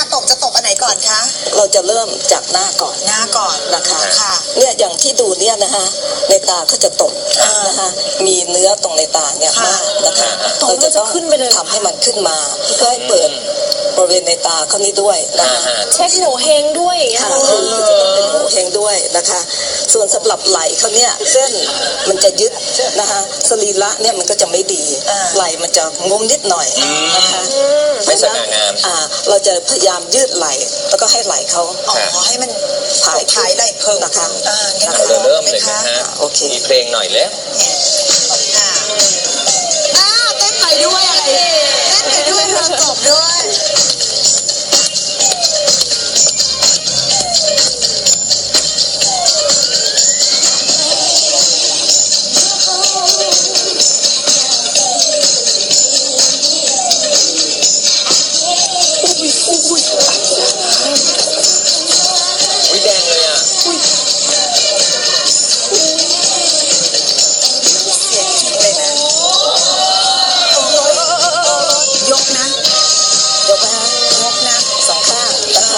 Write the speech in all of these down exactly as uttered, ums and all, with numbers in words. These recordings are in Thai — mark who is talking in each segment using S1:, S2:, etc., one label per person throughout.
S1: การตบจะตบอันไหนก่อนคะ
S2: เราจะเริ่มจากหน้าก่อน
S1: หน้าก่อน
S2: นะคะ
S1: ค่ะ
S2: เนี่ยอย่างที่ดูเนี่ยนะคะในตาเขาจะตกนะคะมีเนื้อตรงในตาเนี่ยมากนะคะเราจะต้องทำให้มันขึ้นมาเพื่อให้เปิดบริเวณในตาเขานี้ด้วยนะคะ
S3: เช็คโหเฮงด้วย
S2: ค่ะคือจะต้องเป็นโหเฮงด้วยนะคะส่วนสำหรับไหล่เขาเนี่ยเส้นมันจะยึดนะคะสรีระเนี่ยมันก็จะไม่ดีไหล่มันจะงมนิดหน่อยนะคะ
S4: ไม่สง่างาม
S2: อ่าเราจะพยายามยืดไหล่แล้วก็ให้ไหล่เขา
S1: อ๋อให้มัน
S2: ถ่าย
S1: ถ่ายไหล่เพิ่ม
S2: นะคะ
S1: อ่างั้น
S4: เรา
S1: เรา
S4: เริ่มเลยนะฮะ
S2: โอเค
S4: มีเพลงหน่อยแล้ว
S1: อ่าอ่าเต้นไปด้วยอะไรเต้นไปด้วยเพลงตบด้วย
S4: อุ้ยแดงเลยอ่ะ
S1: เสียงจริงเลยนะยกนะ
S2: ยกนะฮะ
S1: ยกนะ
S2: สองข้างนะคะ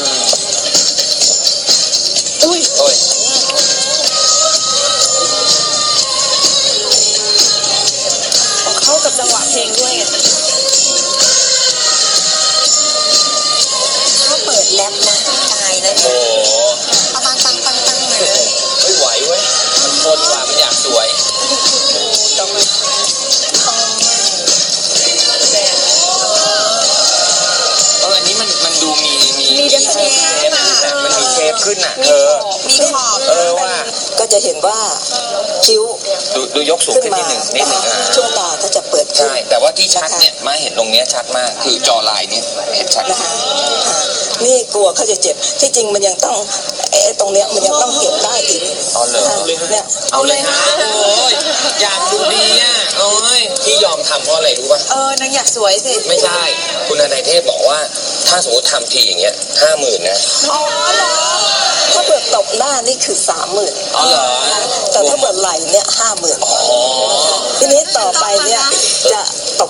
S1: อุ้ย
S4: โอ้ย
S3: เข้ากับจังหวะเพลงด้วยไง
S1: ถ้าเปิดแรปนะตายนะ
S4: โอ้
S1: เอาปังปังปังปังเลยนะ
S4: ไม่ไหวเว้ยมันทนกว่ามันอยากสวย
S1: ต้องมาแดง
S4: เอออันนี้มันมันดูมีมี
S3: มีเดเชฟ
S4: มันมีเชฟขึ้นอ่ะเออ
S1: มีขอบ
S4: เออว่า
S2: ก็จะเห็นว่าคิ้ว
S4: ดูดูยกสูง
S2: ขึ้น
S4: ขึ้นนิ
S2: มา
S4: ดหนึ่งนิดหนึ่งอ่ะ
S2: ช่วงตาก็จะเปิดขึ้น
S4: ใช่แต่ว่าที่ชัดเนี่ยมาเห็นตรงเนี้ยชัดมากคือจอลายเนี่ยเห็นชัด
S2: นะคะอ่านี่กลัวเขาจะเจ็บที่จริงมันยังต้องไอ้ตรงเนี้ยมันยังต้องเก็บได้อีก
S4: อ๋อเหรอ
S2: เนี่ย
S4: เอาเลยฮะโอ้ยอยากดูดีอ่ะโอ้ยที่ยอมทำเพราะอะไรรู้ป่ะ
S1: เออนางอยากสวยสิ
S4: ไม่ใช่คุณนายเทพบอกว่าถ้าสมมติทำทีอย่างเงี้ยห้าหมื่นนะ
S1: อ๋อเหรอ
S2: ถ้าเปิดตบหน้านี่คือสามหมื่น
S4: อ๋อเหรอ
S2: แต่ถ้าเปิดไหล่เนี่ยห้าหมื่น
S4: อ๋อ
S2: ทีนี้ต่อไปเนี่ยจะตบ